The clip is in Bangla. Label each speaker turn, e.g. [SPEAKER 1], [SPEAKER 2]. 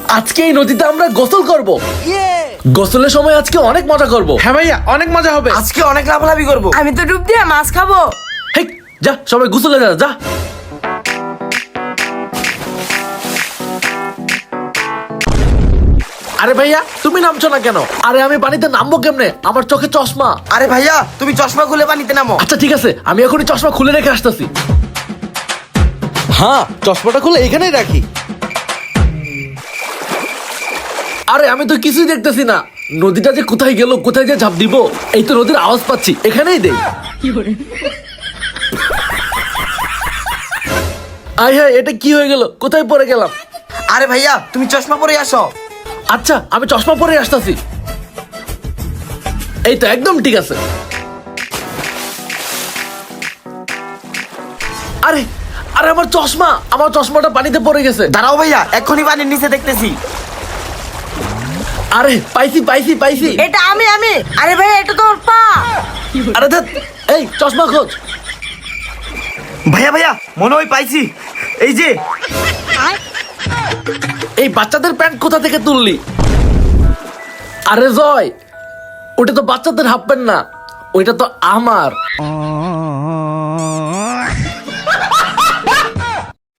[SPEAKER 1] আজকে এই নদীতে আমরা গোসল করব। গোসলের সময় আজকে অনেক মজা করব।
[SPEAKER 2] হ্যাঁ ভাইয়া, অনেক মজা হবে।
[SPEAKER 3] আজকে অনেক লাভালাভি করবো।
[SPEAKER 4] আমি তো ডুব দিয়ে মাছ খাবো।
[SPEAKER 1] হেই, যা সবাই গোসলে যা যা। আরে ভাইয়া তুমি নামছো না কেন? আরে আমি পানিতে নামবো কেমনে? আমার চোখে চশমা।
[SPEAKER 3] আরে ভাইয়া, তুমি চশমা খুলে পানিতে নামো।
[SPEAKER 1] আচ্ছা ঠিক আছে, আমি এখনই চশমা খুলে রেখে আসতেছি।
[SPEAKER 2] হ্যাঁ, চশমাটা খুলে এখানেই রাখি।
[SPEAKER 1] আরে আমি তো কিছুই দেখতেছি না। নদীটা যে কোথায় গেল, কোথায় যে ঝাঁপ দিব? এই তো নদীর আওয়াজ পাচ্ছি, এখানেই দেই। আয় হ্যাঁ, এটা কি হয়ে গেল? কোথায় পড়ে গেলাম?
[SPEAKER 3] আরে ভাইয়া, তুমি চশমা পরে আসো।
[SPEAKER 1] আচ্ছা আমি চশমা পরে আসতেছি। এই তো একদম ঠিক আছে। আরে আরে আমার চশমা, আমার চশমাটা পানিতে পড়ে গেছে।
[SPEAKER 3] দাঁড়াও ভাইয়া, এক্ষুনি পানির নিচে দেখতেছি।
[SPEAKER 1] আরে পাইছি পাইছি পাইছি।
[SPEAKER 4] এটা আমি। আরে ভাই, এটা তোর পা।
[SPEAKER 1] আরে ধ্যাৎ, এই চশমা খোঁজ।
[SPEAKER 3] ভাইয়া ভাইয়া, মনে হয় পাইছি। এই যে।
[SPEAKER 1] এই বাচ্চাদের প্যান্ট কোথা থেকে তুললি? আরে জয়, ওটা তো বাচ্চাদের হাফ প্যান্ট না, ওইটা তো আমার।